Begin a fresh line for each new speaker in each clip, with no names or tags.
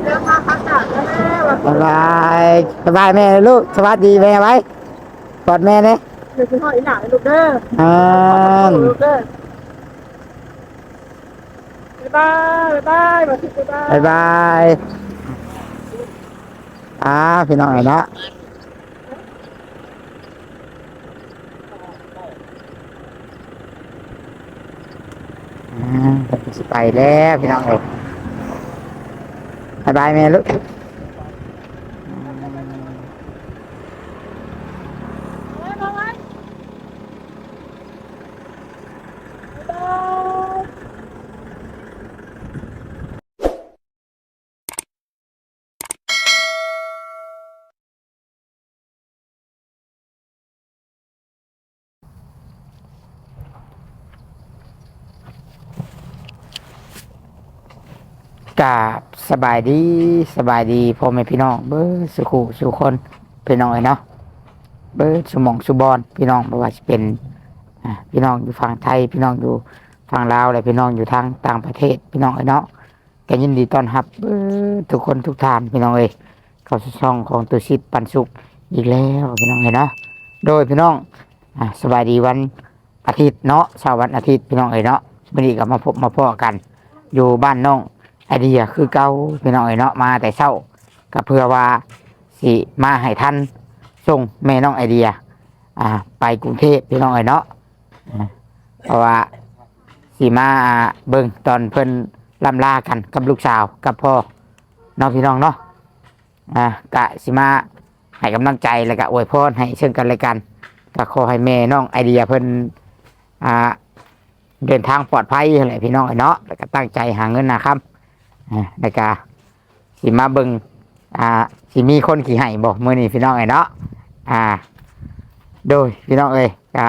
สบายสบายแม่ลูกสวัสดีแม่ไว้กอดแม่เนี่ย
เดี๋ยวคุณพ่ออีหล่าลูกเด้อ
อ่า
ลูกเด้อบ๊ายบายบ๊ายบายบ๊ายบาย
บายบายพี่น้องเนาะสิไปแล้วพี่น้องเอ้ยบายบายแม่ลูกกราบสบายดีพ่อแม่พี่น้องเบิร์สุขุสุคนพี่น้องเอ้ยเนาะเบิร์สมองสุบอนพี่น้องไม่ว่าจะเป็นพี่น้องอยู่ฝั่งไทยพี่น้องอยู่ฝั่งลาวและพี่น้องอยู่ทางต่างประเทศพี่น้องเอ้ยเนาะก็ยินดีต้อนรับทุกคนทุกท่านพี่น้องเอ้ยเข้าสู่ช่องของตุชิตปันสุขอีกแล้วพี่น้องเอ้ยเนาะโดยพี่น้องสบายดีวันอาทิตย์เนาะเช้าวันอาทิตย์พี่น้องเอ้ยเนาะวันนี้ก็มาพบมาพ้อกันอยู่บ้านน้องไอเดียคือเก่าพี่น้องเอ้ยเนาะมาแต่เช้าก็เพื่อว่าสิมาให้ท่านส่งแม่น้องไอเดียไปกรุงเทพพี่น้องเอ้ยเนาะเพราะว่าสีมาเบิ่งตอนเพิ่นล่ำลากันกับลูกสาวกับพ่อน้องพี่น้องเนาะกะสีมาให้กำลังใจแล้วก็อวยพรให้เชิญกันและกันก็ขอให้แม่น้องไอเดียเพิ่นเดินทางปลอดภัยอะไรพี่น้องเนาะแล้วก็ตั้งใจหาเงินนะครับแล้วก็สีมาเบิ่งสีมีคนขี่ให้บอกมื้อนี้พี่น้องเนาะโดยพี่น้องครับ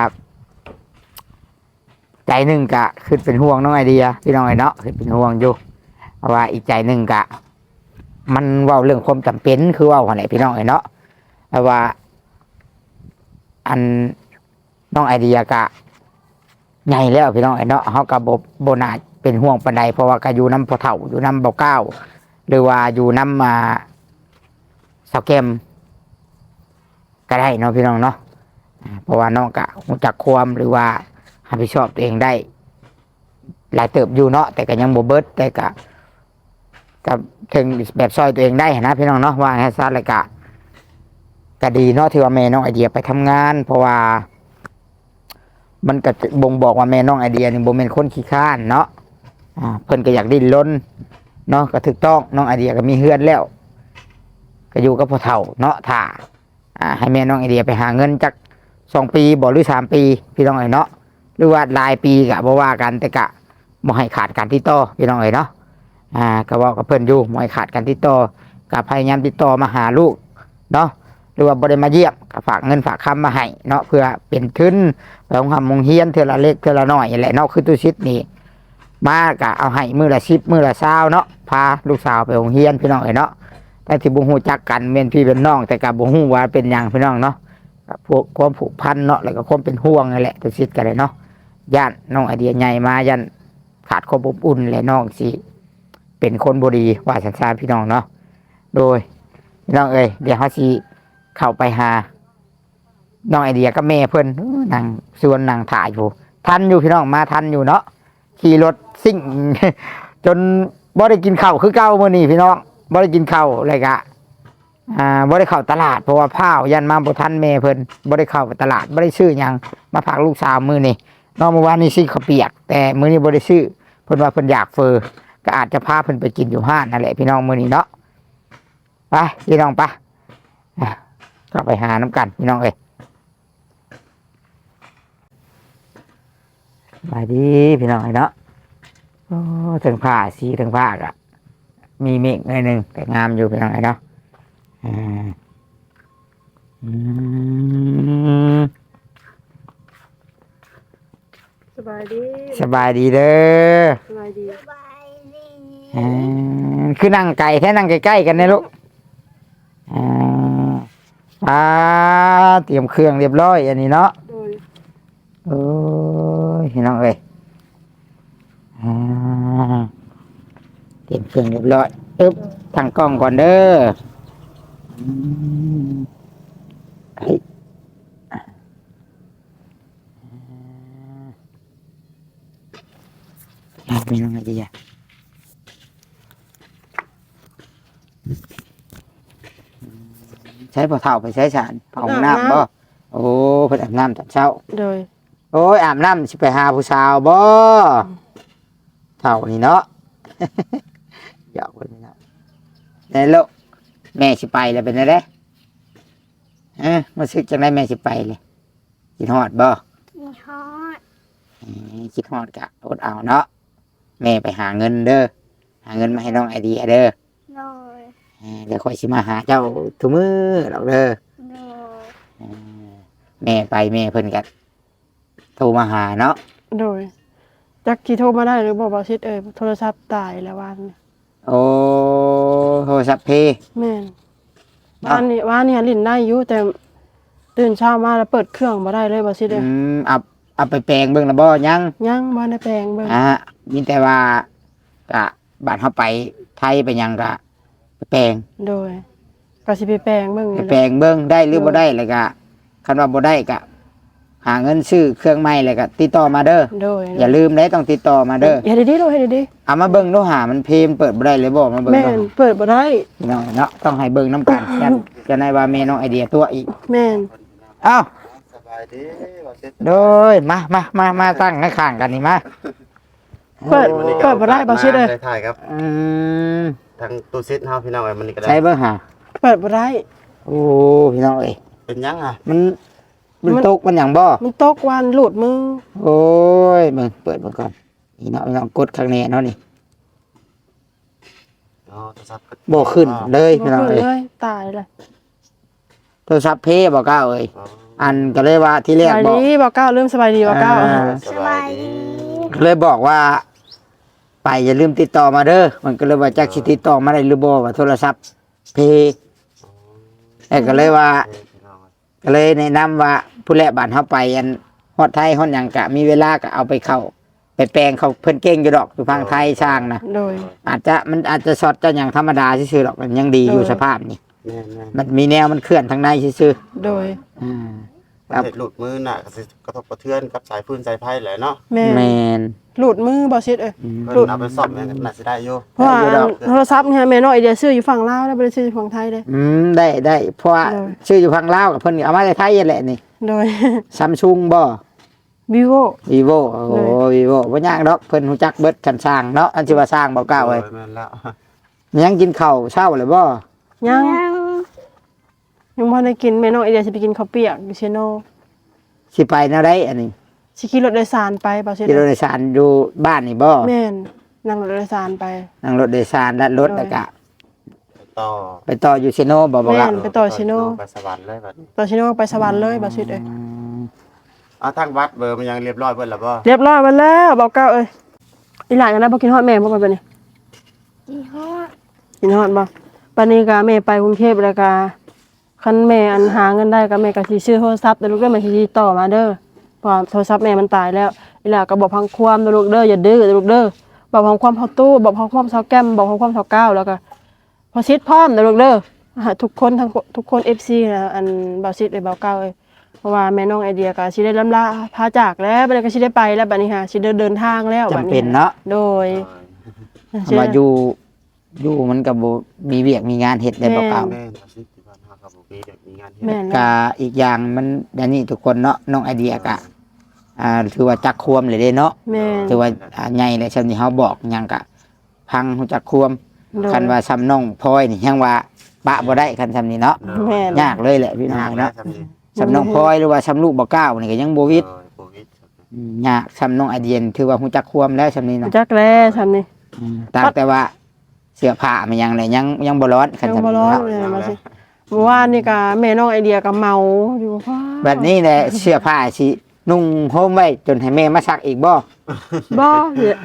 ใจหนึ่งกะคือเป็นห่วงน้องไอเดียพี่น้องไอเนาะคือเป็นห่วงอยู่เพราะว่าอีกใจหนึ่งกะมันเว่าเรื่องความจำเป็นคือเว่าอะไรพี่น้องไอเนาะเพราะว่าอันน้องไอเดียกะใหญ่แล้วพี่น้องไอเนาะเขากับบนาเป็นห่วงปันใดเพราะว่าก็อยู่น้ำพอเถ่าอยู่น้ำเบาเก้าหรือว่าอยู่น้ำสาวแกมก็ได้เนาะพี่น้องเนาะเพราะว่าน้องกะรู้จักความหรือว่ารับผิดชอบตัวเองได้หลายเติบอยู่เนาะแต่ก็ยังโบเบิร์ตแต่ก็กับถึงแบบซอยตัวเองได้นะพี่น้องเนาะว่าให้ซาเลยก็ดีเนาะที่ว่าแม่น้องไอเดียไปทำงานเพราะว่ามันก็บ่งบอกว่าแม่น้องไอเดียนี่บ่เป็นคนขี้ข้านเนาะเพิ่นก็อยากดิ้นรนเนาะก็ถูกต้องน้องไอเดียก็มีเฮือนแล้วก็อยู่กับพ่อเฒ่าเนาะถ้าให้แม่น้องไอเดียไปหาเงินจาก2 ปีบ่หรือ3 ปีพี่น้องไอเนาะหรือว่าหลายปีกะบ่ว่ากันแต่กะบ่ให้ขาดการติดต่อพี่น้องเอ๋ยเนาะก็บอกกับเพิ่นอยู่บ่ให้ขาดการติดต่อก็พยายามติดต่อมาหาลูกเนาะหรือว่าบ่ได้มาเยี่ยมก็ฝากเงินฝากคำมาให้เนาะเพื่อเป็นทุนไปโรงเรียนเทื่อละเล็กเทื่อละน้อยนี่แหละเนาะคือตุชิดนี่มากะเอาให้มื้อละ10มื้อละ20เนาะพาลูกสาวไปโรงเรียนพี่น้องเอ๋ยเนาะแต่ที่บ่ฮู้จักกันแม่นพี่เป็นน้องแต่ก็บ่ฮู้ว่าเป็นหยังพี่น้องเนาะพวกความผูกพันเนาะแล้วก็ความเป็นห่วงนั่นแหละตุชิดกันเลยเนาะย่านน้องไอเดียใหญ่มาย่านขาดความอบอุ่นและน้องสิเป็นคนบดีว่าสันสานพี่น้องเนาะโดยพี่น้องเดี๋ยวเขาสิเข้าไปหาน้องไอเดียกับแม่เพิ่นนั่งส่วนนั่งถ่ายอยู่ทันอยู่พี่น้องมาทันอยู่เนาะขี่รถซิ่ง จนบ่ได้กินข้าวคือเก่ามื้อนี้พี่น้องบ่ได้กินข้าวเลยกะบ่ได้เข้าตลาดเพราะว่าพ้าวยันมาบ่ทันแม่เพิ่นบ่ได้เข้าตลาดบ่ได้ซื้อหยังมาฝากลูกสาวมื้อนี้น้องเมื่อวานนี้ซื้อข้าวเปียกแต่มื้อนี้บ่ได้ซื้อเพิ่นว่าเพิ่นอยากเฟอก็อาจจะพาเพิ่นไปกินอยู่ห้างนั่นแหละพี่น้องมื้อนี้เนาะไปพี่น้องปะก็ไปหาน้ำกันพี่น้องไปดีพี่น้องเนาะโอ้ถึงผ้าสีถึงผ้าก็มีเมฆหน่อยหนึงแต่งามอยู่พี่น้องเนาะอืม
สบายดี
สบายดีเด้อ
สบายดี
คือนั่งไก่แค่นั่งใกล้ๆกันเนี่ยลูกอ่าเตรียมเครื่องเรียบร้อยอันนี้เนาะ
โดย
โอ้ยพี่น้องอ่าเตรียมเครื่องเรียบร้อยอึ๊บตั้งกล้องก่อนเด้อเฮ้ยมีน้องไอเดียใช้พอเท่าไปใช้สารเผาห้องน้ำบ่โอ้เพิ่นอาบน้ำตอนเช้า
โดย
โอ้ยอาบน้ำสิไปหาผู้สาวบ่เท่านี่เนาะ หยอกคนนี้เนาะได้ลูกแม่สิไปแล้วเป็นไงเด้มาซึกจังได้แม่สิไปเลยคิดฮอดบ่
มีฮอด
คิดฮอดกะอดเอาเนาะแม่ไปหาเงินเด้อหาเงินมาให้น้องไอเดียเด้อ
โดย
เดี๋ยวค่อยสิมาหาเจ้าทุกมื้อหรอกเด้อ
โดย
แม่ไปแม่เพิ่นก็โทรมาหาเนาะ
โดยจักกี่โทรมาได้หรือบอกบาชิดโทรศัพท์ตายแล้ววันนี้
โอ้โทรศัพท์เพ
แม่นว่านี่ลิ้นได้อยู่แต่ตื่นเช้ามาแล้วเปิดเครื่องมาได้เลยบาชิด
เอาไปแปลงเบิ่งแล้วบ่ยัง
ยังบ่ได้แปลงเบิ่ง
มีแต่ว่ากะบ้านเฮาไปไทยไปหยังกะไปแปลง
โดยก็สิไปแปลงเบิ่ง
ไปแปลงเบิ่งได้หรือบ่ได้แล้วก็คันว่าบ่ได้ก็หาเงินซื้อเครื่องใหม่แล้วก็ติดต่อมาเด้อ
โดย
อย่าลืมได้ต้องติดต่อมาเด้อ
เฮ็ดดีๆโดยเฮ็ดดี
เอามาเบิ่งดูหามันเพลงเปิดบ่ได้เลยบ่มาเบิ่
ๆ
ง
แม่
ดู
นเปิดบ่ได้
พี่น้องเนาะต้องให้เบิ่งนํกันจะได้ว่าแม่น้องไอเดียตัวอีก
แม่น
เอ้า
สบายดีว่าเสร็จ
โดยมาตั้งข้างๆกันนี่มา
เปิดบ่ได้บาชิด
ได้ถ่ายครับ
ม
ทางตู้ซิดเฮาพี่น้องเอ้ยมันนี่ก็ได้
ใช้เบิ่งหา
เปิดบ่ได้
โอ้พี่น้องเอ้ย
เป็นยังอ่ะ
มันตกมันหยังบ่
มันตกวันหลุดมือ
โอ้ยเบิ่งเปิดมันก่อนนี่เนาะพี่น้องกดข้างในเนาะนี่
อ๋อโทรศัพท์
บ่ขึ้นเลย
บ่
พี่น้อง
ขึ้น
เอ้ย
เลยตายเลย
โทรศัพท์เพบ่ก้าวเอ้ย
อ๋อ
อันก็เลยว่าที่แร
ส
ก
บาย
บอก
ดีบ่เก้าเริ่มสบายดีบ่เก้า
สบายดี
เลยบอกว่า ไปอย่าลืมติดต่อมาเด้อมันก็เลยว่าจักสิติดต่อมาได้หรือบ่ว่าโทรศัพท์เพก็เลยว่า
พี่น้องเอ้ย
ก็เลยแนะนำว่าผู้แลบ้านเฮาไปอันฮอดไทยฮอดหยังกะมีเวลาก็เอาไปเข้าไปแปลงเขาเพิ่นเก่งอยู่ดอกอยู่ทางไทยสร้างนะ
โดย
มันอาจจะช็อตจะอย่างธรรมดาซื่อๆหรอกมันยังดีอยู่
เออ
สภาพนี่
แม่น
มันมีแนวมันเคลื่อนทางในซื่อ
โดย
ๆอ่า
ๆประเทศหลุดมือน่ะก็สิกระทบกระเทือนกับสายฟืนสายไฟแหละเนาะ
แม่
แมน
หลุดมือบ่ชิด
อืม
เพิ่นเอาไปซ่อมแม่นน่าสิได้อยู่
เพราะว่า
ได้อยู่ดอก
โทรศัพท์เนี่ยแม่น้อยไอเดียซื้ออยู่ฝั่งลาวแล้วบ่ได้ซื้ออยู่ฝั่งไทยเด้
ได้เพราะว่า
เออ
ชื่ออยู่พังลาวกับเพิ่นเอามาจากไทยนั่นแหละนี่
โดย
ซัมซุงบ่
vivo
vivo โอ้ vivo บ่ยากดอกเพิ่นฮู้จักเบิดคันสร้างเนาะอันสิว่าสร้างบ่กล้าเว้ย
แม่นแล้ว
ยังกินข้าวเช้าเลยบ่
ยัง
ยัง
ยังบ่ได้กินแม่น้อยไอเดียสิไปกินข้าวเปียกอยู่เชโน
สิไปแนวใดอันนี้
สิขี่รถโดยสารไปบ่ชิด
ขี่รถโดยสารอยู่บ้านนี่บ่
แม่นนั่งรถโดยสารไป
นั่งรถโดยสารลัดรถแล้วก็
ต่อ
ไปต่ออยู่เซโนบ่บ่
แม่
ครับ
น ไปต่อชิโน่
ไปสวรรค์เลยบัดนี้
ต่อเชโนไปสวรรค์เลยบ่ชิดเอ้ย
เอาทางวัดเบอร์มันยังเรียบร้อยเบิดแล้วบ่
เรียบร้อยมาแล้วบ่เก้าเอ้ยอีหลานยังได้บ่กินฮอดแม่บ่บัดนี้
มีฮอด
กินฮอดบ่บัดนี้ก็แม่ไปกรุงเทพแล้วก็คันแม่อันหาเงินได้ก็แม่ก็สิซื้อโทรศัพท์แต่ลูกเด้อแม่สิติดต่อมาเด้อเพราะว่าโทรศัพท์แม่มันตายแล้วอีหลาก็บอกพังความเด้อลูกเด้ออย่าดื้อเด้อลูกเด้อบอกพังความเฮาตู้บอกพังความเฮาแก้มบอกพังความเฮาก้าวแล้วก็พอซิดพร้อมเด้อลูกเด้อทุกคนทุกคน FC นะอันบ่าวซิดเอ้ยบ่าวก้าวเอ้ยเพราะว่าแม่น้องไอเดียก็สิได้ล่ำลาพาจากแล้วบัดนี้ก็สิได้ไปแล้วบัดนี้ค่ะสิเดินทางแล้วบัด
จำ
นี้
เป็นเนาะ
โดย
มาอยู่มันก็บ่มีเวียกมีงานเฮ็ดได้บ่เก่า
แม่นบ่ซิดที่บ้านเฮาก็บ่มีเด็กมีงานเฮ็ด
แม่น
กะอีกอย่างมันอันนี้ทุกคนเนาะน้องไอเดียกะถือว่าจักควมเลยเด้เนาะ
แม่น
ถือว่าใหญ่เลยซำนี้เฮาบอกหยังกะพังฮู้จักควม
โดย
คันว่าซ้ำน้องพลอยนี่ยังว่าปะบ่ได้คันซ้ำนี้เนาะ
แม่น
ยากเลยแหละพี่น้อง
ยากนะ
เนาะ
ทำนี่
ซ้ำน้องพลอยหรือว่าซ้ำลูกบ่ก้าวนี่ก็ยังบ่วิด
โควิด
ยากซ้ำน้องไอเดียนถือว่าฮู้จักควมแล้วซ้ำนี้เนาะ
จักแล้วทำนี่
ต่างแต่ว่าเสื้อผ้ามันยังเลยยังบ่ร้อนคัน
ยัง
ซ้ำ
บ่
นี้
ร้อน
เนาะ
เลยมาสิเมื่อวานนี่ก็แม่น้องไอเดียก็เมาอยู่ว่า
แบบนี้แหละเสื้อผ้าสินุ่งห่มไว้จนให้แม่มาซักอีกบ่
บ่เหี้ย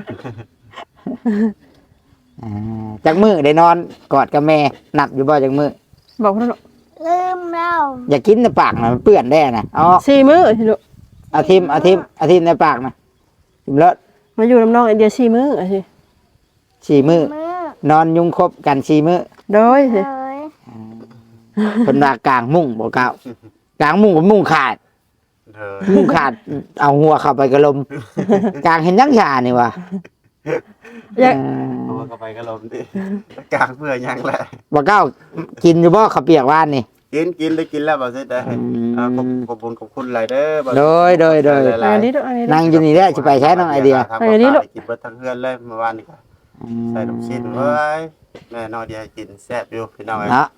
จักมือได้นอนกอดกับแม่นับอยู่บ่จักมือ
บอกเพิ่นว่า
ลืมแล้ว
อย่ากินในปากนะมันเปื้อนได้นะอ๋อ
4 มื้อสิลูก
เอาทิมในปากนะทิมแล้ว
มาอยู่น้ำน้องไอเดีย4 มื้ออะสิ
4 มือ
มือน
อนยุงครบกัน4 มือ
โดย
โดย
เพิ่นว่ากลางมุ้งบ่เก้ากลางมุ้งบ่มุ้งขาด
เด้อ
มุ้งขาดเอาหัวเข้าไปกระลมกลางเห็นยังชานี่ว่ะ
อยาก
เอาเข้าไปก็ลมดิกลางเพื่อยังแหละ
บ่เก้ากินอยู่บ่ข้าวเปียกว่านนี่
กินได้กินแล้วบ่ซิได้ขอบคุณขอบคุณหลายเด้อบ่
โดย
อันนี้ดูอันนี้ดู
นั่งอยู่นี่แหละสิไปใช้น้องไอเดีย
อันนี้ลูก
กินเบิดทั้งเฮือนเลยเมื่อวานนี่ก็ใส่ลูกชิ้นเว้ยแม่น้องไอเดียกินแซ่บอยู่พี่น้องเอ้ย
เนาะ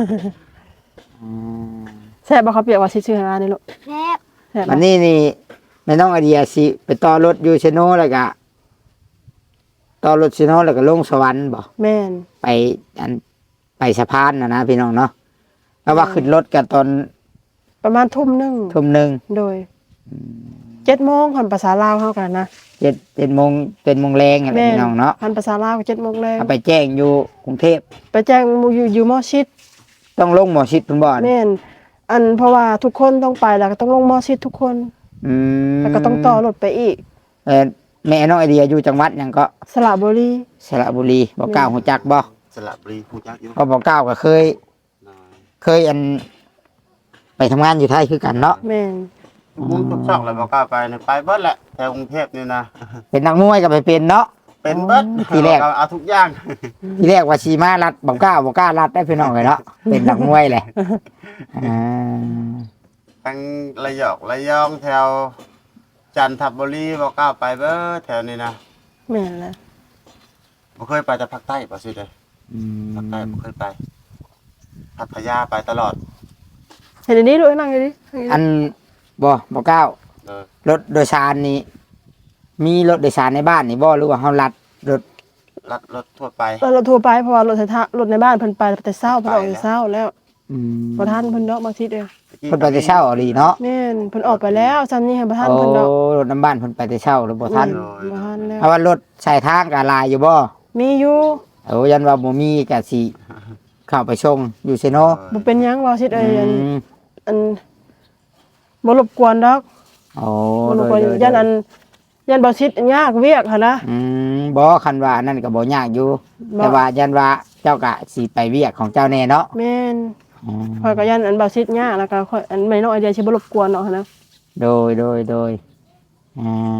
แซ่บบ่เขาเปียกว่าสิชื่อหานี่ลูก
แซ่บ
แซ่บ
วันนี้นี่แม่น้องไอเดียสิไปต่อรถอยู่เชโนแล้วก็ต่อรถเชโนแล้วก็ลงสวรรค์บ่
แม่น
ไปอันไปสะพานนะพี่น้องเนาะเพราะว่าขึ้นรถกันตอน
ประมาณทุ่มหนึง
ทุ่มหนึ่ง
โดย7 โมงคันภาษาลาวเฮากันนะ
7 โมงเป็นโมงแรงอะไรพี่น้องเนาะ
คันภาษาลาวก็7 โมงแลง
เอาไปแจ้งอยู่กรุงเทพ
ไปแจ้งอยู่มอชิด
ต้องลงหมอชิดเพิ่นบ่อน
แม่นอันเพราะว่าทุกคนต้องไปแล้วก็ต้องลงมอชิดทุกคน
อืม
แล้วก็ต้องต่อรถไปอีก
แม่น้องไอเดียอยู่จังหวัดหยังก็
สระบุรี
สระบุรีบ่กล้าหูจักบ่
สระบุรีฮู้จักอยู่
เพราะบ่กล้าก็เคยอันไปทำงานอยู่ไทยคือกันเนาะ
แม่น
มุ้งทุกช่องเลยบ่กล้าไปนี่ไปเบิดแหละแถวกรุงเทพนี่นะ
เป็นนักมวยก็ไปเป็นเนาะ
เป็นเบิด
ทีแรก
เอาทุกอย่าง
ทีแรกว่าชีมารัดบ่กล้ารัดได้พี่น้องเลยเนาะเป็นนักมวยแหละอ่า
ทั้งระยองแถวจันทบุรีบ่กล้าไปเบิดแถวนี้นะ
แม่นแล้ว
บ่เคยไปแต่ภาคใต้บ่ซิเด้อ
อืม
ภาคใต้บ่เคยไปพัทยาไปตลอด
เห็นอันนี้ลูกนั่งอยู่ดิ
อันบ่กล้า
เออ
รถโดยสารนี่มีรถโดยสารในบ้านนี่บ่หรือว่าเฮารัดรถ
รถทั่วไป
เราโทรไปเพราะว่ารถรถในบ้านเพิ่นไปแต่เช้าเพิ่นออกแต่เช้าแล้ว
อืม
บ่ทันเพิ่นดอกบางทีเด้อ
เพิ่นไปแต่เช้าเอาดีเนาะ
แม่นเพิ่นออกไปแล้วซ้ำนี้ให้บ่ทัน
โอ้
เพิ่นดอก
รถน้ำบ้านเพิ่นไปแต่เช้าหรือบ่ทัน
บ่ทันแล้ว
เพราะว่ารถใช้ทางก็หลายอยู่บ่
มีอยู่
โอ้ยันว่าบ่มีก็สิเข้าไปชงอยู่ซิโน
บ่เป็นหยังว่าสิเอ้ย
อืม
อันบ่รบกวนดอก
โอ้
บ่รบกวนยันอันยันบ่สิยากเวียกหั่นนะ
บ่คันว่านั่นก็บ่ยากอยู่
บ่
แต่ว่ายันว่าเจ้าก็สิไปเวียกของเจ้าแน่เนาะ
แม่น
อืม
ข่อยก็ยันอันบ่สิยากแล้วก็ข่อยอันไม่น้องไอเดียสิบ่รบกวนเนาะหั่นนะ
โดยอ่า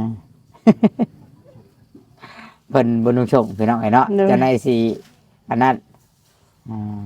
เพิ่นบ่นุ่งส่งพี่น้องไอ้เนาะจะได้สิอันนั้นอ่า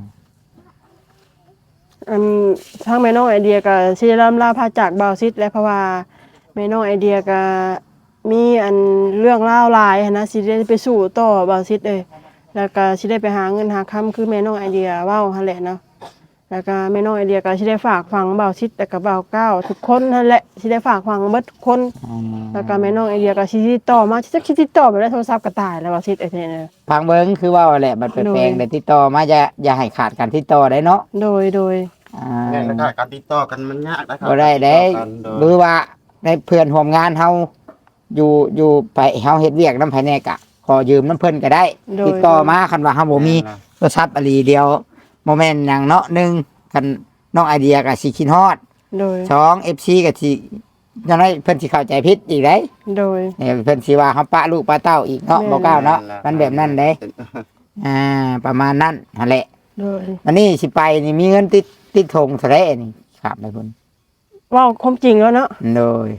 อันทางแม่น้องไอเดียก็สิได้ลาพาจากบ่าวซิดและเพราะว่าแม่น้องไอเดียก็มีอันเรื่องราวหลายหั้นนะสิได้ไปสู่ต่อบ่าวซิดเอ้ยแล้วก็สิได้ไปหาเงินหาคำคือแม่น้องไอเดียเว้าหั่นแหละเนาะแล้วก็แม่น้องไอเดียก็สิได้ฝากฝังบ่าวซิดแต่ก็บ่าวก้าวทุกคนนั่นแหละสิได้ฝากฝังเบิดทุกคน แล้วก็แม่น้องไอเดียก็สิติดต่อมาสิติดต่อไปได้โทรศัพท์ก็ตายแล้วบ่าวซิดไอ้เท่เนี่ย
พังเบิ่งคือว่าแหละมันเป็นแปลงได้ติดต่อมาอย่าให้ขาดการติดต่อได้เนาะ
โดย
อ่า
แม่นแล้วก็การติดต่อกันมันยากนะครั
บ่ได้เด้
ติต่อกันโด
หรื
ย
อว่าในเพื่อนร่วมงานเฮาอยู่ไปเฮาเฮ็ดเวียกนำภายในกะขอยืมน้ำเพิ่นก็ได้ ติดต่อมาคันว่าเฮาบ่มีโทรศัพท์อลีเดียวบ่แม่นหยังเนาะหนึ่งคันน้องไอเดียก็สิคิดฮอด
โดย
สอง FC ก็สิจังได๋เพิ่นสิเข้าใจผิดอีกเด้
โดย
เนี่ยเพิ่นสิว่าเฮาปะลูกปะเต้าอีกเนาะ
แม่น
บ่กล้าเนาะมันแบบนั้นเด้ประมาณนั้นนั่นแหละ
โดย
อันนี้สิไปนี่มีเงินติดธงเท่าไหร่นี่ครับนายพุ่น
เว้าความจริงแล้วเนาะ
โดย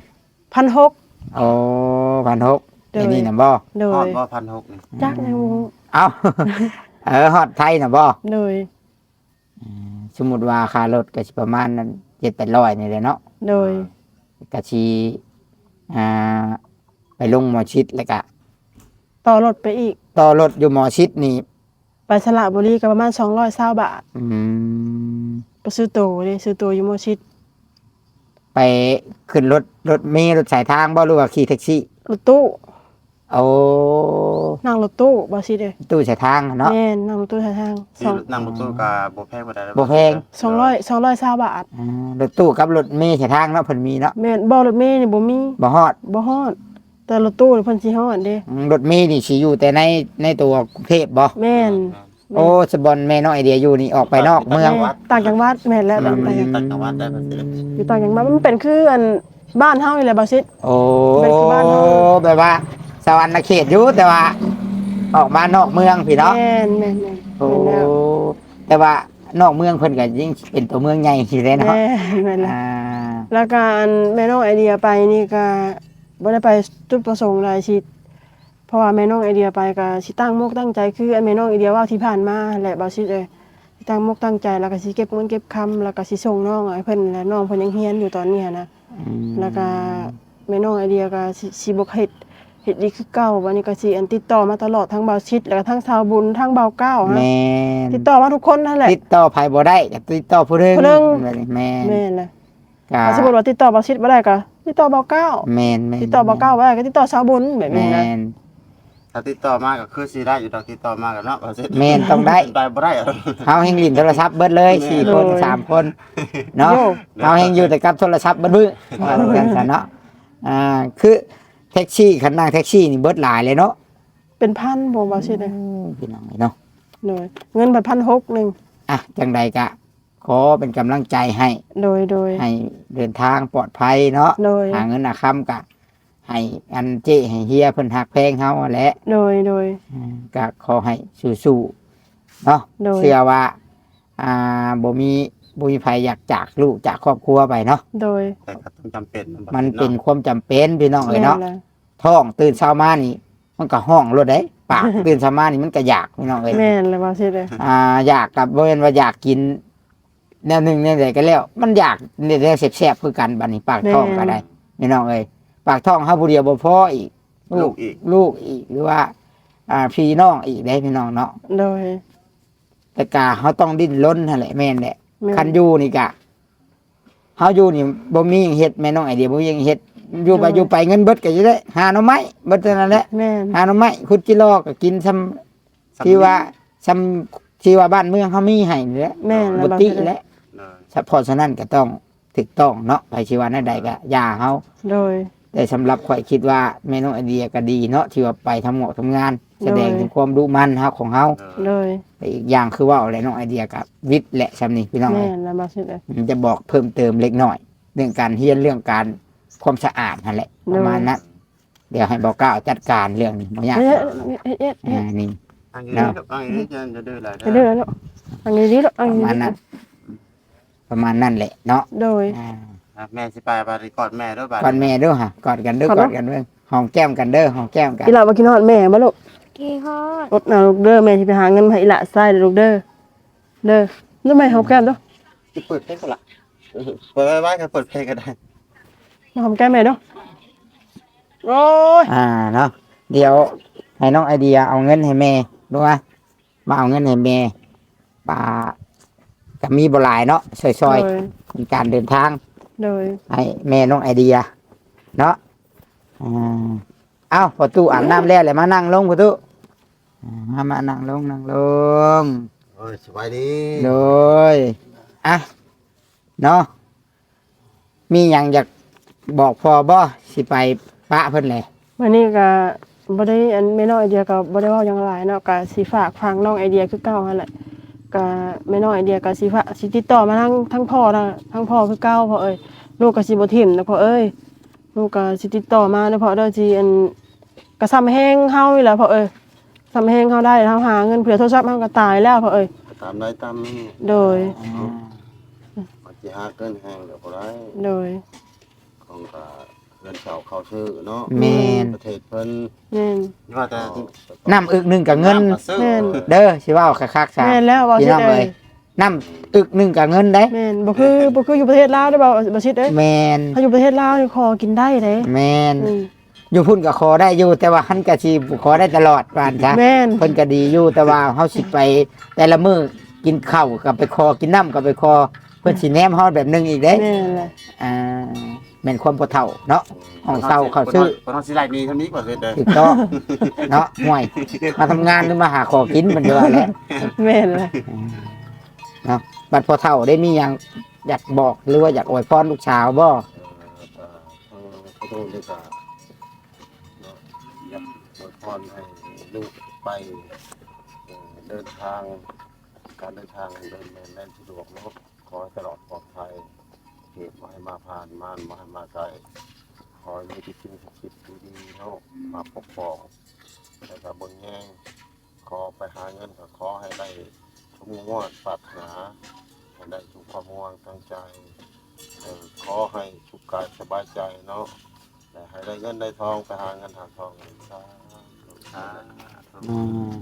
1,600
โอ้1,600
โดย
อันนี้น่ะบ่
โด
ฮอด
ย
บ่1,600นี่
จักในวง
เอ้า ฮอดไทยน่ะบ่
โดย
สมมุติว่าค่ารถก็สิประมาณนั้น700-800นี่แหละเนาะ
โดย
ก็สิอ่าไปลงหมอชิดแล้วก็
ต่อรถไปอีก
ต่อรถอยู่หมอชิดนี่
ไปสระบุรีก็ประมาณ220 บาท
อืม
ไปซื้อโตวเลยซื้อโตวอยู่มอชิด
ไปขึ้นรถเมล์รถสายทางบ่หรือว่าขี่แท็กซี่
รถตู้
โอ้
นั่งรถตู้บ่สิเด้อ
ตู้สายทางเนาะ
แม่นนั่งรถตู้ทางทาง
ที่นั่งรถตู้ก็บ่แพงบ่ได้
บ่แพง
220 บาท
รถตู้กับรถเมล์สายทางเนาะเพิ่นมีเนาะ
แม่นบ่รถเมล์นี่บ่มี
บ่ฮอด
บ่ฮอดแต่รถตู้นี่เพิ่นสิฮอดเด้
รถเมล์นี่สิอยู่แต่ในตัวกรุงเทพบ่
แม่น
โอ้สบอนแม่น้องไอเดียอยู่นี่ออกไปนอกเมือง
แม่ต่างจังหวัดแม่นแล้วต่างจังหวัด
ต่างจังหวัดได้บ่สิ
อยู่ต่างจังหวัดมันเป็นคืออันบ้านเฮานี่แหละบ่ซิ
โอ้
เป็นบ้านเฮา
แบบว่าสวรรค์เขตอยู่แต่ว่า ออกมานอกเมืองพี่เนาะ
แม่น
โอ้
แม่นแล้ว
แต่ว่านอกเมืองเพิ่นก็ยิ่งเป็นตัวเมืองใหญ่สิเลยเนาะ
แม่แม่นละ
อ่า
แล้วการแม่น้องไอเดียไปนี่ก็บ่ได้ไปจุดประสงค์หลายสิเพราะว่าแม่น้องไอเดียไปก็สิตั้งมกตั้งใจคืออันแม่น้องไอเดียเว่าที่ผ่านมาแหละบ่สิสิตั้งมกตั้งใจแล้วก็สิเก็บเงินเก็บคำแล้วก็สิส่งน้องให้เพิ่นและน้องเพิ่นยังเรียนอยู่ตอนนี้นะ แล้วก็แม่น้องไอเดียก็สิบ่เฮ็ดดีคือเก่าบัดนี้ก็สิอันติดต่อมาตลอดทั้งเบาชิดแล้วก็ทั้งชาวบุญทั้งเบาเก้าฮะ
แม่น
ติดต่อมาทุกคนนั่นแหละ
ติดต่อไผบ่ได้ก็ติดต่อผู้หนึง
ผู้หนึ่ง
แบบนี้แม่น
แม่นล่ะ
ก็
ถ้าสมมุติว่าติดต่อเบาชิดบ่ได้ก็ติดต่อเบาเก้า
แม่นแม่น
ติดต่อเบาเก้าบ่ได้ก็ติดต่อชาวบุญแบบนี้
แม่
นะ
น
ถ้าติดต่อมาก็คือสิได้อยู่ดอกติดต่อมากันเนาะว่าสิ
แม่นต้องได้
ไปบ่ได้อะ
เฮาแห่งลิ้นโทรศัพท์เบิดเลย4คน3คนเนาะเฮาแห่งอยู่แต่กับโทรศัพท์เบิดมื้อว่าจังซั่นเนาะคือแท็กซี่คันนั่งแท็กซี่นี่เบิดหลายเลยเนาะ
เป็นพันบ่เบาชิดเลย
พี่น้องเนาะ
เลยเงินบัด1,600นึง
อ่ะจังใดก็ขอเป็นกำลังใจให้
โดย
ให้เดินทางปลอดภัยเนาะ
โดย
หาเงินหาคำกะให้อันเจ้ให้เฮียเพิ่นหักแพงเฮาแหละ
โดย
ก็ขอให้สู้ๆเนาะ
โดย
เชื่อว่าบ่มีภัยอยากจากลูกจากครอบครัวไปเนาะ
โดย
แต่ก็ต้องจำเป็น
มันเป็นความจำเป็นพี่น้องเอ้ยเนาะ
แม่ล่ะ
ท้องตื่นเช้ามานี่ มันก็ห้องรถได้ปาก ตื่นเช้ามานี่มันก็อยากพี่น้องเอ้ย
แม่นเลยเบาชิดเลย
อยากกับบ่แม่นว่าอยากกินแนวหนึ่งแนวใดก็แล้ว มันอยากเนี่ยแนวแซ่บๆคือกันบัดนี้ปากท้องก็ได้พี่น้องเอ้ยปากท้องเฮาผู้เดียวบ่พออีก
ลูกอีก
ลูกอีกหรือว่าพี่น้องอีกได้พี่น้องเนาะ
โดย
แต่กาเขาต้องดิ้นรนนั่นแหละแม่นแหละ
แม่น
คันอยู่นี่กะเฮาอยู่นี่บ่มีหยังเฮ็ดแม่น้องไอเดียบ่มีหยังเฮ็ดอยู่ไป
โดย
อยู่ไปเงินเบิดก็จะได้หาหน่อไม้เบิดเท่านั้นแหละ
แม่น
หาหน่อไม้ขุดจิโลก็กินซ้ำที่ว่าซ้ำที่ว่าบ้านเมืองเขามีให้นี่แหละ
แม่นแล้ว
บ่
เบา
ติ
ชิด
แห
เลย
ละเฉพาะฉะนั้นก็ต้องถูกต้องเนาะไปชีวาใดก็อย่าเฮา
โดย
แต่สำหรับข่อยคิดว่าแม่น้องไอเดียก็ดีเนาะที่ว่าไปทำเหมาะทำงาน แสดงถึงความรู้มันเฮาของเฮา
โดย
แต่อีกอย่างคือว่าอะไรน้องไอเดียกับวิทย์และชำนี่พี่น้อง
แม่
เอ้ย
นแล้วเบาชิดเลย
ผมจะบอกเพิ่มเติมเล็กน้อย เรื่องการเฮียนเรื่องการความสะอาดนั่นแหละประมาณนั้นเดี๋ยวให้บอกก้าวจัดการเรื่องนี้บ่ยาก
เฮ็ดเฮ็ด
นี่
อันนี้ลูกอันนี้จะดื้ออะไร
เฮ็ดเด้อแล้วอันนี้ดีแล้วอัน
ประ
นี้
มาณนั้นประมาณนั้นแหละเนาะ
โดย
แม่สิไปบาริกอดแม่ด้วยบาด
กอดแม่เด้วยฮะกอดกันเด้อก
อด
ก
เด้อ
อดกันเด้อหอมแก้มกันเด้อหอมแก้มกัน
อีหล่าบ่กินฮอดแม่บ่ลูก
กี่ฮอด
อดน่ะลูกเด้อแม่สิไปหาเงินมาให้อีหล่าใช้เด้อลูกเด้อเด้อแล้วแม่หอมแก้มเด้อ
เปิดเพลงก็ละเปิดไว้ก็เปิดเพลงก็ได้
มาหอมแก้มแม่เด้อโอ้ย
เนาะเดี๋ยวให้น้องไอเดียเอาเงินให้แม่รู้ป่ะมาเอาเงินให้แม่ป่าก็มีบ่หลายเนาะซอยๆในการเดินทาง
โดย
ให้แม่น้องไอเดียเนาะเอ้าประตูอาบน้ำแล้วเลยมานั่งลงประตูมานั่งลง
โอ้ยสบายดี
โดยเนาะมีอย่างอยากบอกพอบ่สิไปปะเพิ่นเลย
วันนี้ก็บ่ได้อันแม่น้องไอเดียก็บ่ได้เว้าหยังหลายเนาะก็สิฝากฟังน้องไอเดียคือเก่าหั่นแหละก็แม่น้องไอเดียก็สิฝากสิติดต่อมาทั้งพ่อทั้งพ่อคือเก่าพ่อเอ้ยลูกก็สิบ่ทิ่มนะพ่อเอ้ยลูกก็สิติดต่อมาเด้อพ่อเด้อสิอันก็ซ้ำแฮงเฮานี่แหละพ่อเอ้ยซ้ำแฮงเฮาได้เฮาหาเงินเผื่อโทรศัพท์เฮาก็ตายแล้วพ่อเอ้ย
ตามได้ตามนี้
โดย
มันจะหาเกินแห้งเดี๋ยวบ่ได้
โดย
ของก็เงินเก่าเข้าชื่อเนาะ
แม่น
ประเทศเพิ่น
แม่น
ว่าแต่
น้ำอึกหนึงกับเงิน
แม่น
เด้อสิเว้าคักๆซะ
แม่นแล้วบ่
พี่
สิ
น้อง
เอ้
เอ้
ย
ยน้ำอึกหนึงกับเงินได้
แม่นบ่คืออยู่ประเทศลาวเด้อบ่สิเอ้ย
แมน
ถ้าอยู่ประเทศลาวนี่ขอกินได้เด้
แมน
อืม
อยู่พุ่นก็ขอได้อยู่ แต่ว่าหันก็สิขอได้ตลอดว่าซั่นซะ
แม่น
เพิ่นก็ดีอยู่แต่ว่าเฮาสิไปแต่ละมื้อกินข้าวก็ไปคอกินน้ำก็ไปคอเพิ่นสิแนมเฮาแบบหนึงอีกเด้
แม่นเลย
แม่นความบ่เฒ่าเนาะของเศร้าเขาซื้อ
คนเอาสิไลนี้เท่านี้บ่เสร็จเด้อ
ถูกต้องเนาะห่วยมาทำงานหรือมาหาของกินมันจะว่าแหล้ว
แม่นเลย
เนาะบัดพอเฒ่าได้มีหยังอยากบอกหรือว่าอยากอวยพรลูกสาวบ่
ขอโทษด้วยก็อยากอวยพรให้ลูกไปเดินทางการเดินทางเดินแล่นสะดวกเนาะขอให้ตลอดปลอดภัยเหตุมาให้มาผ่านมานมาให้มาไกลขอให้มีที่สิ่งศักดิ์สิทธิ์ดีๆเนาะมาปกป้องแล้วก็เบิ่งแย่งขอไปหาเงินก็ขอให้ได้สมมุ่งมั่นปรารถนาให้ได้ทุกความมุ่งมั่นตั้งใจขอให้สุขกายสบายใจเนาะและให้ได้เงินได้ทองไปหาเงินหาทองสาธุ
อืม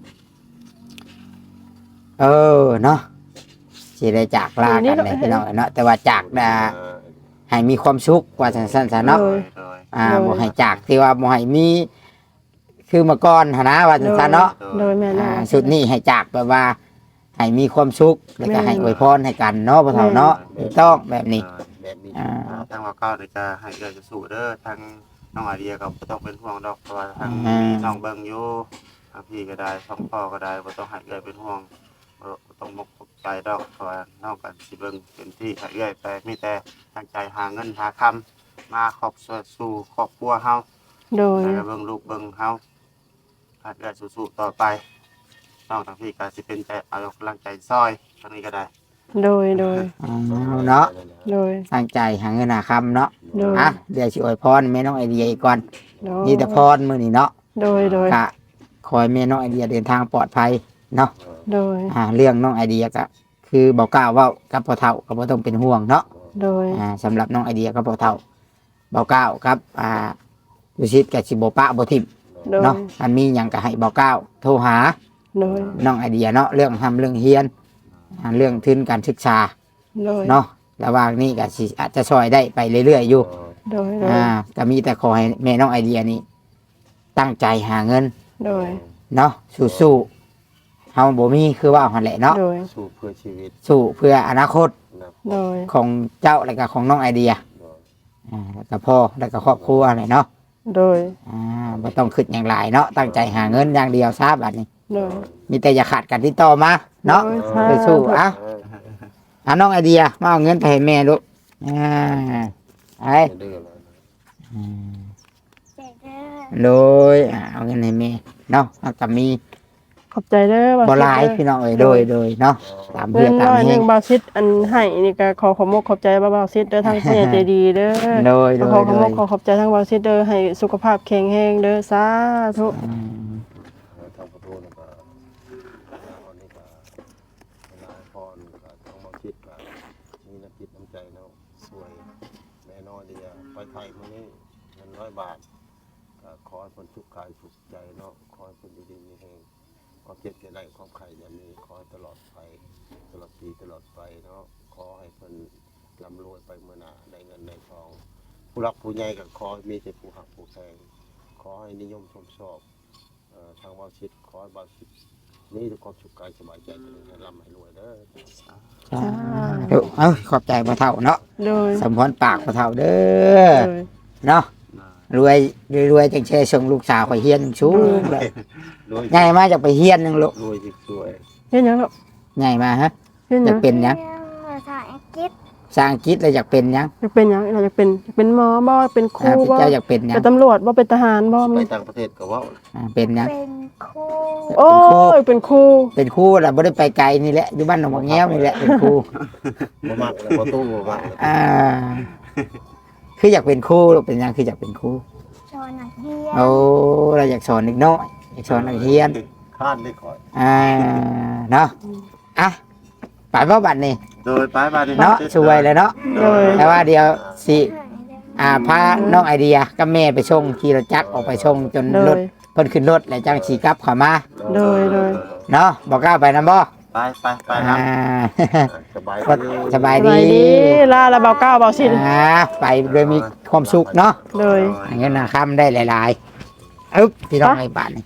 เนาะสิได้จากลากันเลยพี่น้องเนาะแต่ว่าจากให้มีความสุขว่าสั้นๆซะเนาะ
โดย
บ่ให้จากที่ว่าบ่ให้มีคือเมื่อก่อนหนนะว่าซั่นซะเนาะ
โดยแม่นแล้ว
สุดนี้ให้จากแบบว่าให้มีความสุขแล้วก็ให้อวยพรให้กันเนาะพ่อเฒ่าเนาะถูกต้องแบบนี้
แบบนี้
ทางว่าเก้าเดี๋ยวจะให้เอื้อจะสู้เด้อทางน้องไอเดียก็บ่ต้องเป็นห่วงดอกเพราะว่าทางมีน้องเบิ่งอยู่ทางพี่ก็ได้ทางพ่อก็ได้บ่ต้องให้เอื้อเป็นห่วงบ่ต้องมกตกใจดอกเพราะว่าน้องก็สิเบิ่งเต็มที่ให้เอื้อไปมีแต่ตั้งใจหาเงินหาคำมาครอบสู่ครอบครัวเฮา
โดย
ให้เบิ่งลูกเบิ่งเฮาให้เอื้อสู้ๆต่อไปน้องทางพี่ก็สิเป็นใจเอากำลังใจซอยทางนี้ก็ได้
โดยโดย
เนาะ
โดย
ตั้งใจหาเงินหาคำเนาะ
โดย
อ่ะเดี๋ยวสิอวยพรแม่น้องไอเดียอีกก่อน
โดย
นี่แต่พรมื้อนี้เนาะ
โดยโดย
ก็ขอให้แม่น้องไอเดียเดินทางปลอดภัยเนาะ
โดย
เรื่องน้องไอเดียก็คือบอกกล่าวเว่ากับพ่อเฒ่าก็บ่ต้องเป็นห่วงเนาะ
โดย
สำหรับน้องไอเดียกับพ่อเฒ่าบอกกล่าวครับดุสิตกับสิบ่ปะบ่ทิม
โดย
เนาะอันมีหยังก็ให้บอกกล่าวโทรหา
โดย
น้องไอเดียเนาะเรื่องทำเรื่องเฮียนเรื่องทุนการศึกษา
โดย
เนาะระหว่างนี้ก็สิอาจจะช่วยได้ไปเรื่อยๆอยู่
โดยโดย
ก็มีแต่ขอให้แม่น้องไอเดียนี่ตั้งใจหาเงิน
โดย
เนาะสู้ๆเฮาบ่มีคือว่าหั่นแหละเนาะ
โดย
สู้เพื่อชีวิต
สู้เพื่ออนาคต
นะ
โดย
ของเจ้าและก็ของน้องไอเดียแล้วก็พ่อแล้วก็ครอบครัวอะไรเนาะ
โดย
บ่ต้องคิดอย่างไรเนาะตั้งใจหาเงินอย่างเดียวซะบัดนี้
โดย
มีแต่อย่าขาดกันที่ต่อมาเนาะ
โดย
สู้ๆน้องไอเดียมาเอาเงินไปให้แม่ลูกไอ้
ดื้อเลย
เด็กเด้อ
โดยเอาเงินให้แม่เนาะแล้วก็มี
ขอบใจเด้อ
บ่หลายพี่น้องเอ้ยโดยเนาะตาม
เงิ
เพื่อน ตาม
น้อยห
แห้
นึ่
ง
งบาซิดอันให้นี่ก็ขอขอบคุณขอบใจบาซิดเด้อทางผู้ใหญ่ใจดีเด้อ
โดย
ขอขอบคุณขอบใจทางบาซิดเด้อให้สุขภาพแข็งแรงเด้อสาธุ
ทางประตูนี่ก็วันนี้ก็นายพรก็ต้องมาคิดว่ามีน้ำจิตน้ำใจเนาะสวยแม่น้อยเดียไปไทยมื้อนี้เงิน100 บาทก็ขอให้คนทุกข์กายทุกข์ใจเนาะขอให้คนดีๆมีแฮงความเจ็บจะได้ความไข่อย่ามีขอให้ตลอดไปตลอดปีตลอดไปเนาะขอให้คนร่ำรวยไปเมื่อหน้าได้เงินได้ทอง ผู้รักผู้ใหญ่ก็ขอให้มีแต่ผู้หักผู้แพงขอให้นิยมชมชอบทางวาชิตขอให้วาชิตนี่ทุกความสุขกายสบายใจจะให้ร่ำให้รวยเด้อ
ขอบใจพ่อเฒ่าเนาะ
โดย
สมพรปากพ่อเฒ่าเด้อ
โดย
เนาะรวยจังแช่ส่งลูกสาวข่อยเฮียนสูงเลย
รวย
ง่ายมาจากไปเฮียนนึงลูก
รวยจิตสวย
เฮ็ดหยังลูก
ง่ายมาฮะ
เฮ็ดห
อ
ยั
ยาง กเป็นหยัง
เรื่องภาษาอังกฤษ
สร้างคิดแล้วอยากเป็นหยัง
อยากเป็นหยังเราอยากเป็นหมอบ่เป็นครูบ่
เจ้าอยากเป็นหยัง
เป็นตำรวจบ่เป็นทหารบ่
ไป
มี
ต่างประเทศก็เว่า
เป็นหยัง
เป็นครู
โอ้ยเป็นครู
เป็นครูล่ะบ่ได้ไปไกลนี่แหละอยู่บ้านหนองบักแง้วนี่แหละเป็นครู
บ่มักเลยบ่ตู้บ่มักเลย
คืออยากเป็นครูลูกเป็นหยังคืออยากเป็นครู
สอนนักเรียน
โอ้เราอยากสอนเด็กน้อยอยากสอนนักเรียน
ข้านได้คอย
เนาะอ่ะไปบ่บัดนี้
โดยไปบ้านนี่
เนาะช่วยเลยเนาะ
โดย
แต่ว่าเดี๋ยวสิพาน้องไอเดียกับแม่ไปส่งขี่รถจักรออกไปส่งจน
โด
ร
ย
ถเพิ่นขึ้นรถแล้วจังสิกลับเข้ามา
โดย
เนาะบอกกล้าไปนํบ่
ไปครับ
สบาย
ก็
ดี
สบาย
ส
ดี
บายดีลาละเบาเก้าเบาสิน
ไปโดยมีความสุขเนาะ
โดย
เงินค่ำได้หลายๆอึ๊บพี่น้องไอ้บ้านนี่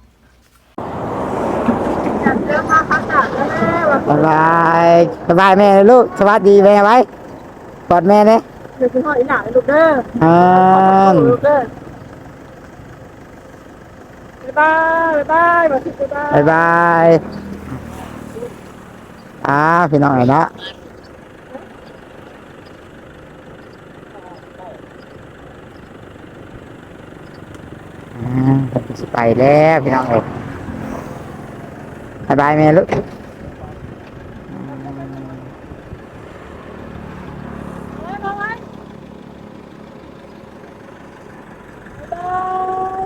สบายสบายแม่ลูกสวัสดีแม่ไว้กอดแม่เนี่ย
เดี๋ยวคุณพ่ออีหลานลูกเด้อ ลูกเด้อบ๊ายบายบ๊ายบายเบาสินบ๊ายบาย
บายพี่น้องไอ้เนาะสิไปแล้วพี่น้องเอ้ยบายแม่ลูก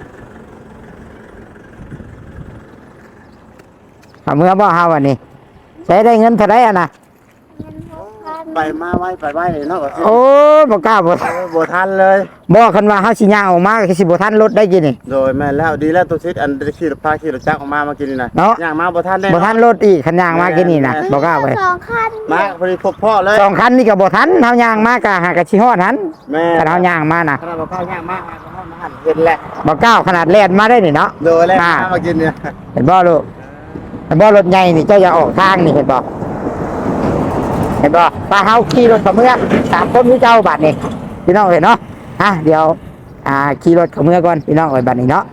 เอาเมื่อบ่เฮาวันนี้ใช้ได้เงินเท่าไรอ่ะนะ
เงิน6,000
ไปมาไว้ไปไว้เนาะก็สิ
โอ้ยบ่กล้าบ่
บ่ทันเลย
บ่คันว่าเฮาสิย่างออกมาก็สิบ่ทันรถได้กินนี่
โดยแม่นแล้วดีแล้วตัวชิดอันได้ขี่รถพาขี่รถจักรออกมาเมื่อกี้นี่นะ
เนาะ
ย่างมาบ่ทันได้
บ่ทันรถอีกคันย่างมากินนี่นะบ่กล้าไป
2 คัน
มาพอดีพบพ่อเลย
สองคันนี่ก็บ่ทันเฮาย่างมาก็หากะสิฮอดหัน
แม่
คันเฮาย่างมาน่ะ
ขนาดบ่เข้าย่างมาเห็นแหละ
บ่ก้าวขนาดแล่นมาได้นี่เนาะ
โดยแล้วมากินเนี่ย
เห็นบ่ลูกเห็นบ่รถใหญ่นี่เจ้าอย่าออกทางนี่เห็นบ่เห็นบ่ป้าเฮาขี่รถกับเมื่อสามคนพี่เจ้าบัดนี่พี่น้องเห็นเนาะเดี๋ยวขี่รถกับเมื่อก่อนพี่น้องเอ้ยบัดนี้เนาะ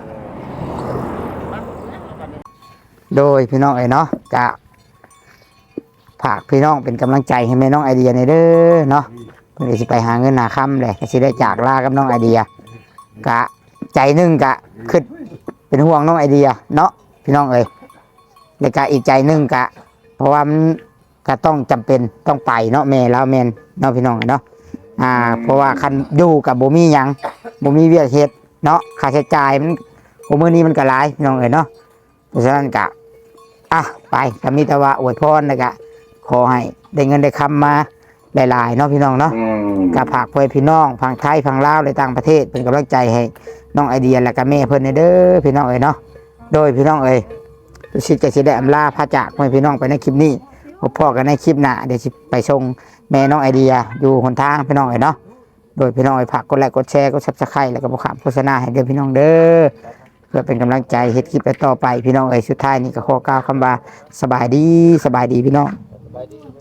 โดยพี่น้องเอ้ยเนาะกะฝากพี่น้องเป็นกำลังใจให้แม่น้องไอเดียในอยเด้อเนาะเพิ่นก็สิไปหาเงินหาค่ำเลยก็สิได้จากลากับน้องไอเดียกะใจหนึงกะคิดเป็นห่วงน้องไอเดียเนาะพี่น้องเอ้ยแล้วก็อีกใจหนึงกะ เพราะว่ามันก็ต้องจำเป็นต้องไปเนาะแม่แล้วแม่นเนาะพี่น้องเนาะเพราะว่าคันอยู่กับบ่มีหยังบ่มีเวียกเฮ็ดเนาะค่าใช้จ่ายมันโอ้มื้อนี้มันก็หลายพี่น้องเอ้ยเนาะเพราะฉะนั้นก็ไปก็มีแต่ว่าอวยพรแล้วก็ขอให้ได้เงินได้คำมาหลายๆเนาะพี่น้องเนาะก็ฝากเพื่อนพี่น้องฝั่งไทยฝั่งลาวในต่างประเทศเป็นกำลังใจให้น้องไอเดียและก็แม่เพิ่นเด้อพี่น้องเอ้ยเนาะโดยพี่น้องเอ้ยทุกสิ่งจะสิได้อำลาพระจากให้พี่น้องไปในคลิปนี้พบพ่อกันในคลิปหน้าเดี๋ยวสิไปส่งแม่น้องไอเดียอยู่หนทางพี่น้องเอ้ยเนาะโดยพี่น้องเอ้ยฝากกดไลค์กดแชร์กด Subscribe แล้วก็บ่ขามโฆษณาให้เด้อพี่น้องเด้อเพื่อเป็นกำลังใจเฮ็ดคลิปต่อไปพี่น้องเอ้ยสุดท้ายนี่ก็ขอกล่าวคำว่าสบายดีพี่น้อง
ไปดี